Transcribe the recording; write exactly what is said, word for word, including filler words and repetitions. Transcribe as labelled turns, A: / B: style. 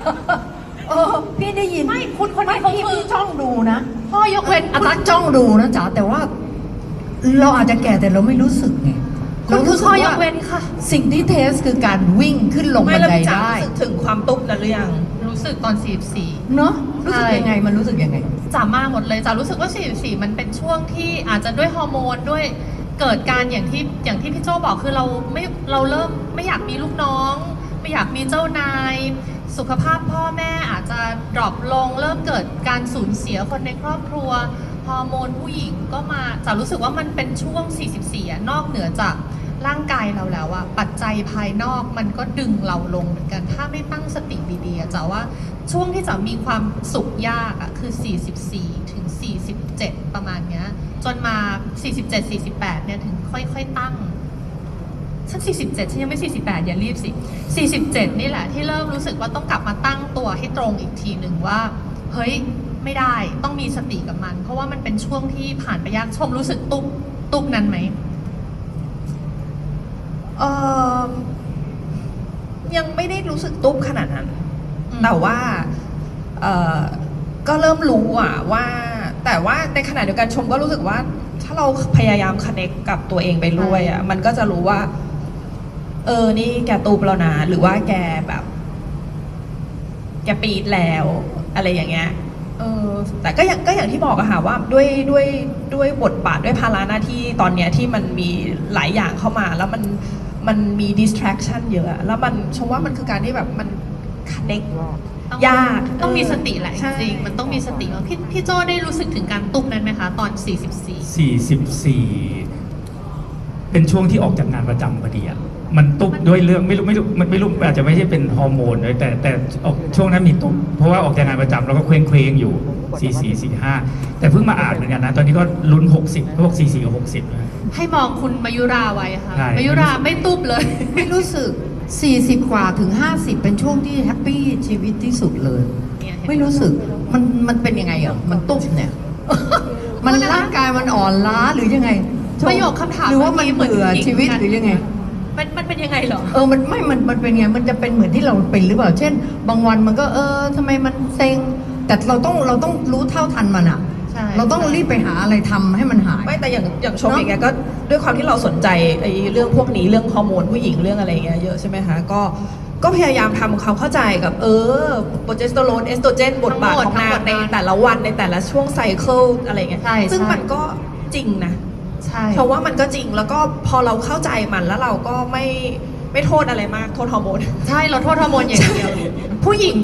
A: เออพี่ได้ยิน
B: ไม่คุณคนนี้
A: ไม่
B: เขา
A: พี่
B: คือ
A: พี่จ้องดูนะ
B: พ่อยกเว้น
A: อาตักจ้องดูนะจ๋าแต่ว่า เราอาจจะแก่แต่เราไม่รู้สึกไง
B: คุณคือข้อยกเว้นค่ะ
A: สิ่งที่เทสคือการวิ่งขึ้นลง
C: ไม่
A: บัน
C: แล้ว
A: ได
C: พี่จ๋า
A: ได้
C: รู้สึกถึงความตุ๊บนั้นหรือยัง
B: รู้สึกตอนสี่สิบสี่
A: เนาะรู้สึก
B: ใช่
A: ยังไงมันรู้สึกยังไง
B: จ๋ามาหมดเลยจ๋ารู้สึกว่าสี่สิบสี่มันเป็นช่วงที่อาจจะด้วยฮอร์โมนด้วยเกิดการอย่างที่อย่างที่พี่โจบอกคือเราไม่เราเริ่มไม่อยากมีลูกน้อง ไม่อยากมีเจ้านาย สุขภาพพ่อแม่อาจจะดรอปลง เริ่มเกิดการสูญเสียคนในครอบครัวฮอร์โมนผู้หญิงก็มาจ๋ารู้สึกว่ามันเป็นช่วงสี่สิบสี่อะนอกเหนือจากร่างกายเราแล้วอะปัจจัยภายนอกมันก็ดึงเราลงเหมือนกันถ้าไม่ตั้งสติดีๆอะจ๋าว่าช่วงที่จ๋ามีความสุขยากอะคือสี่สิบสี่ถึงสี่สิบเจ็ดประมาณเนี้ยจนมาสี่สิบเจ็ด สี่สิบแปดเนี่ยถึงค่อยๆตั้งฉันสี่สิบเจ็ดฉันยังไม่สี่สิบแปดอย่ารีบสิสี่สิบเจ็ดนี่แหละที่เริ่มรู้สึกว่าต้องกลับมาตั้งตัวให้ตรงอีกทีหนึ่งว่าเฮ้ยไม่ได้ต้องมีสติกับมัน เพราะว่ามันเป็นช่วงที่ผ่านไปยากชมรู้สึกตุ๊บตุ๊บนั้นไหม
C: เออยังไม่ได้รู้สึกตุ๊บขนาดนั้น
B: อืม
C: แต่ว่าเออก็เริ่มรู้อะว่า แต่ว่าในขณะเดียวกันชมก็รู้สึกว่า ถ้าเราพยายามค n เน c t กับตัวเองไปด้วยอะมันก็จะรู้ว่า เออ นี่แกตูบแล้วนะ หรือว่าแกแบบ แกปีดแล้ว อะไรอย่างเงี้ย เออ แต่ก็อย่างก็อย่างที่บอกอะค่ะว่าด้วยด้วยด้วยบทบาทด้วยภาระหน้าที่ตอนเนี้ยที่มันมีหลายอย่างเข้ามา แล้วมันมันมี distraction เยอะ แล้วมันชมว่ามันคือการที่แบบมัน connect
B: ต้อง
C: ยาก
B: ต้องมี
C: เออ
B: สติแหละจ
C: ใช่
B: ริงๆมันต้องมีสติว่าพี่พี่โจได้รู้สึกถึงการตุ๊บนั้นไหมคะตอนสี่สิบสี่
D: สี่สิบสี่เป็นช่วงที่ออกจากงานประจำพอดีอ่ะมันตุบด้วยเรื่องไม่รู้ไม่รู้มันไม่รู้อาจจะไม่ใช่เป็นฮอร์โมนเลยแต่แต่ออกช่วงนั้นมีตุบเพราะว่าออกจากงานประจำแล้วก็เคว้งเคว้งๆอยู่สี่สี่สี่ห้าแต่เพิ่งมาอ่านเหมือนกันนะ ตอนนี้ก็ลุ้นหกสิบพวกสี่สี่กับหกสิบนะ
B: ให้มองคุณมายุราไว้ค่ะ
D: ใช่
B: มายุราไม่ตุ๊บเลย
A: ไม่รู้สึก สี่สิบ กว่าถึง ห้าสิบ เป็นช่วงที่แฮปปี้ชีวิตที่สุดเลย
B: เนี่ยเห็นไหม
A: ไม่รู้สึก มัน มันเป็นยังไงอ่ะ มันตุ้มเนี่ย มันร่างกายมันอ่อนล้าหรือยังไงชม
B: ประโยคคำถาม
A: หรือว่ามัน
B: เมื่อกี้
A: เบื่อ
B: เหมือน
A: ชีวิต
B: กัน
A: หรือยังไง
B: มันมันเป็นยังไงเหรอ
A: เออ มันไม่ มัน มันเป็นไง มันจะเป็นเหมือนที่เราเป็นหรือเปล่า เช่น บางวันมันก็เออทำไมมันเซ็ง แต่เราต้อง เราต้องรู้เท่าทันมันอ่ะ
B: ใช่
A: เราต้องรีบไปหาอะไรทำให้มันหาย
C: ไม่แต่อย่างอย่างชม
A: เนอะ
C: เองเนี่ยก็ด้วยความที่เราสนใจไอ้เรื่องพวกนี้เรื่องฮอร์โมนผู้หญิงเรื่องอะไรอย่างเงี้ยเยอะใช่ไหมคะก็ก็พยายามทำความเข้าใจกับเออโปรเจสเตอโรนเอสโตรเจนบทบาทของนางในแต่ละวันในแต่ละช่วงไซเคิลอะไรเงี้ย
B: ใช่
C: ซึ่ง
B: ใช่
C: มันก็จริงนะ
B: ใช่
C: เพราะว่ามันก็จริงแล้วก็พอเราเข้าใจมันแล้วเราก็ไม่ไม่โทษอะไรมากโทษฮอร์โมน
B: ใช่เราโทษฮอร์โมนอย่างเดียวผู้หญิง